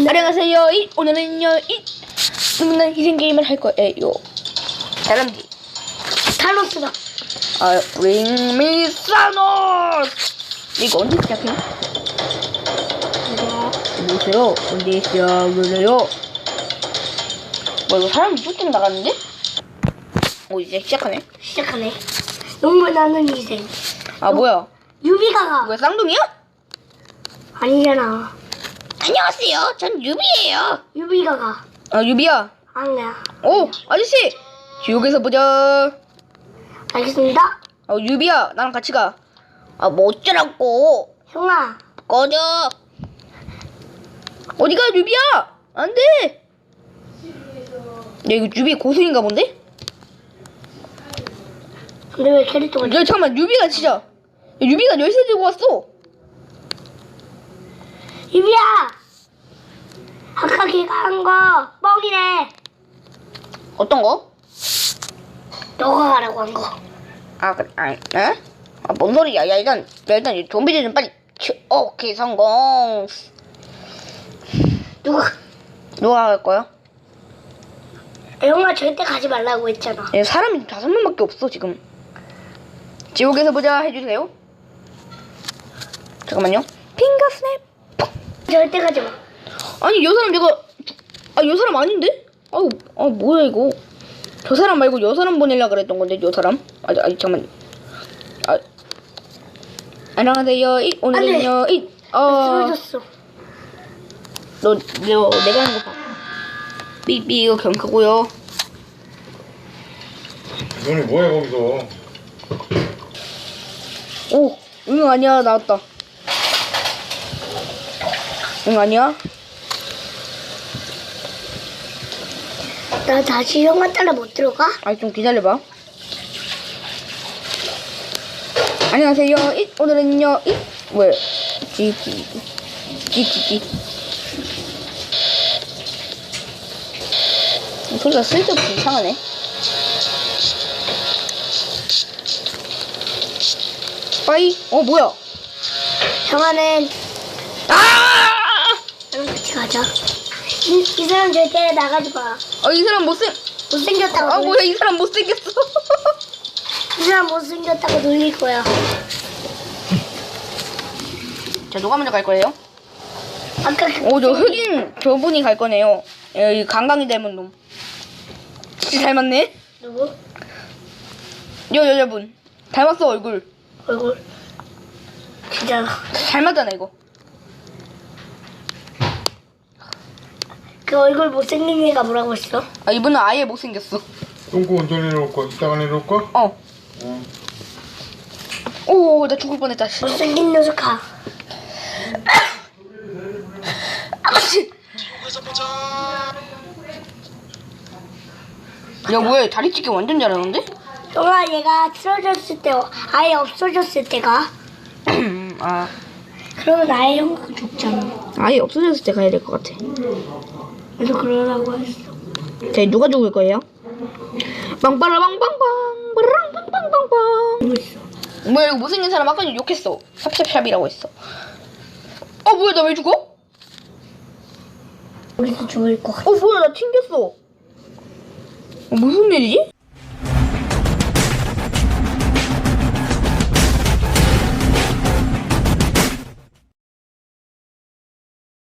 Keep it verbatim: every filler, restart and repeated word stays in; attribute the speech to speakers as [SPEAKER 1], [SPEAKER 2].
[SPEAKER 1] 네. 안녕하세요. 이, 오늘은요 이 재밌는 희생 게임을 할 거예요. 다람쥐
[SPEAKER 2] 타노스다.
[SPEAKER 1] 아, bring me Thanos. 이거 언제 시작해? 보세요. 언제 시작을 해요? 뭐 이거 사람이 쫓겨 나갔는데? 오, 이제 시작하네.
[SPEAKER 2] 시작하네. 눈물 나는 희생.
[SPEAKER 1] 아, 뭐야?
[SPEAKER 2] 유비가가
[SPEAKER 1] 뭐야, 쌍둥이야?
[SPEAKER 2] 아니잖아.
[SPEAKER 1] 안녕하세요. 전 유비예요.
[SPEAKER 2] 유비가가
[SPEAKER 1] 아, 유비야.
[SPEAKER 2] 아니야.
[SPEAKER 1] 오, 아저씨. 지옥에서 보자.
[SPEAKER 2] 알겠습니다.
[SPEAKER 1] 어, 유비야, 나랑 같이 가. 아, 뭐 어쩌라고.
[SPEAKER 2] 형아,
[SPEAKER 1] 꺼져. 어디가, 유비야? 안 돼. 야, 이거 유비 고수인가 본데?
[SPEAKER 2] 근데 왜 캐릭터가
[SPEAKER 1] 야, 잠깐만, 유비가 진짜. 야, 유비가 열쇠 들고 왔어.
[SPEAKER 2] 유비야! 아까 걔가 한 거 뻥이래.
[SPEAKER 1] 어떤 거?
[SPEAKER 2] 너가 가라고 한 거.
[SPEAKER 1] 아, 그래, 아, 에? 아, 뭔 소리야. 야, 일단, 야, 일단, 이 좀비들 좀 빨리. 치, 오케이, 성공.
[SPEAKER 2] 누가?
[SPEAKER 1] 누가 갈 거야?
[SPEAKER 2] 형아 절대 가지 말라고 했잖아.
[SPEAKER 1] 야, 사람이 다섯 명밖에 없어, 지금. 지옥에서 보자 해주세요. 잠깐만요. 핑거 스냅.
[SPEAKER 2] 절대 가지 마.
[SPEAKER 1] 아니, 여 사람 내가. 아, 여 사람 아닌데? 아우, 아, 뭐야, 이거. 저 사람 말고 여 사람 보내려고 그랬던 건데, 여 사람? 아, 아, 잠깐만. 아. 안녕하세요. 이, 오늘은요, 이, 어.
[SPEAKER 2] 쓰러졌어.
[SPEAKER 1] 너, 너, 내가 하는 거 봐. 삐삐, 이거 경크고요.
[SPEAKER 3] 너네 뭐해 거기서?
[SPEAKER 1] 오, 응, 아니야, 나왔다. 응, 아니야?
[SPEAKER 2] 나 다시 형아 따라 못 들어가?
[SPEAKER 1] 아, 좀 기다려봐. 안녕하세요. 이, 오늘은요, 이, 왜? 지, 지, 지, 지, 지. 소리가 쓸데없이 이상하네. 빠이? 어, 뭐야?
[SPEAKER 2] 형아는
[SPEAKER 1] 아!
[SPEAKER 2] 나랑 같이 가자. 이, 이 사람 절대 나가지 마.
[SPEAKER 1] 어, 이 사람 못생,
[SPEAKER 2] 못생겼다고.
[SPEAKER 1] 아,
[SPEAKER 2] 놀-
[SPEAKER 1] 뭐야, 이 사람 못생겼어.
[SPEAKER 2] 이 사람 못생겼다고 놀릴 거야.
[SPEAKER 1] 자, 누가 먼저 갈 거예요?
[SPEAKER 2] 아까 그
[SPEAKER 1] 오, 저 흑인 저분이 갈 거네요. 이 강강이 닮은 놈. 진짜 닮았네?
[SPEAKER 2] 누구?
[SPEAKER 1] 여 여자분. 닮았어, 얼굴.
[SPEAKER 2] 얼굴 진짜
[SPEAKER 1] 닮았잖아, 이거.
[SPEAKER 2] 그 얼굴 못생긴 애가 뭐라고 했어?
[SPEAKER 1] 아, 이분은 아예 못생겼어.
[SPEAKER 3] 똥꼬 언제 내려올 거야? 이따가 내려올 거야?
[SPEAKER 1] 어.
[SPEAKER 3] 응.
[SPEAKER 1] 오, 나 죽을 뻔했다. 씨.
[SPEAKER 2] 못생긴 녀석 가.
[SPEAKER 1] 아씨. 야, 뭐야, 다리 찢기 완전 잘하는데?
[SPEAKER 2] 형아 얘가 쓰러졌을 때 아예 없어졌을 때가
[SPEAKER 1] 아,
[SPEAKER 2] 그러면 아예 형아가 죽잖아.
[SPEAKER 1] 아예 없어졌을 때 가야 될 것 같아.
[SPEAKER 2] 그래서 그러라고 했어.
[SPEAKER 1] 자, 누가 죽을 거예요? 빵빠라빵빵빵, 빠라빵빵빵빵.
[SPEAKER 2] 이거 있어.
[SPEAKER 1] 뭐야, 이거 못생긴 사람 아까 욕했어. 샵샵샵이라고 했어. 어, 뭐야, 나 왜 죽어?
[SPEAKER 2] 여기서 죽을 것 같아.
[SPEAKER 1] 어, 뭐야, 나 튕겼어. 어, 무슨 일이지?